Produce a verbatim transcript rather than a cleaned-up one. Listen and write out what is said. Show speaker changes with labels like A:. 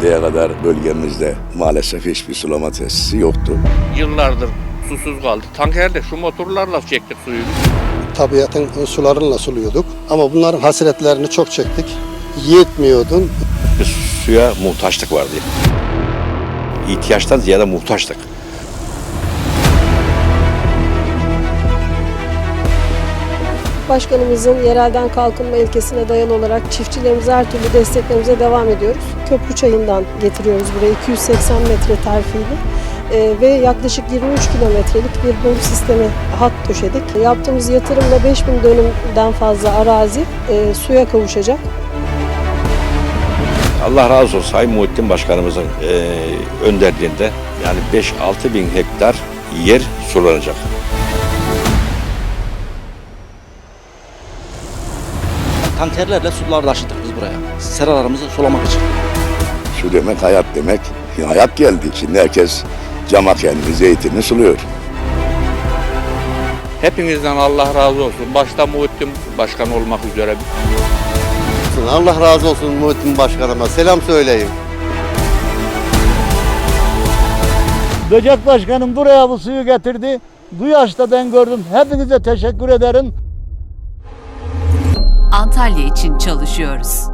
A: Şimdiye kadar bölgemizde maalesef hiçbir sulama tesisi yoktu.
B: Yıllardır susuz kaldı. Tankerde şu motorlarla çektik suyu.
C: Tabiatın sularıyla suluyorduk ama bunların hasretlerini çok çektik. Yetmiyordu.
D: Biz suya muhtaçlık vardı. İhtiyaçtan ziyade muhtaçlık.
E: Başkanımızın yerelden kalkınma ilkesine dayalı olarak çiftçilerimize her türlü desteklerimize devam ediyoruz. Köprü çayından getiriyoruz buraya iki yüz seksen metre terfiyle ee, ve yaklaşık yirmi üç kilometrelik bir boru sistemi hat döşedik. Yaptığımız yatırımla beş bin dönümden fazla arazi e, suya kavuşacak.
D: Allah razı olsun Sayın Muhittin Başkanımızın e, önderliğinde yani beş altı bin hektar yer sulanacak.
F: Tankerlerle sular taşıdık biz buraya. Seralarımızı sulamak için.
A: Su demek hayat demek. Hayat geldi. Şimdi herkes cama kendini, zeytini suluyor.
B: Hepinizden Allah razı olsun. Başta Muhittin Başkan olmak üzere.
G: Allah razı olsun Muhittin Başkanıma. Selam söyleyin.
H: Böcek Başkanım buraya bu suyu getirdi. Bu yaşta ben gördüm. Hepinize teşekkür ederim.
I: Antalya için çalışıyoruz.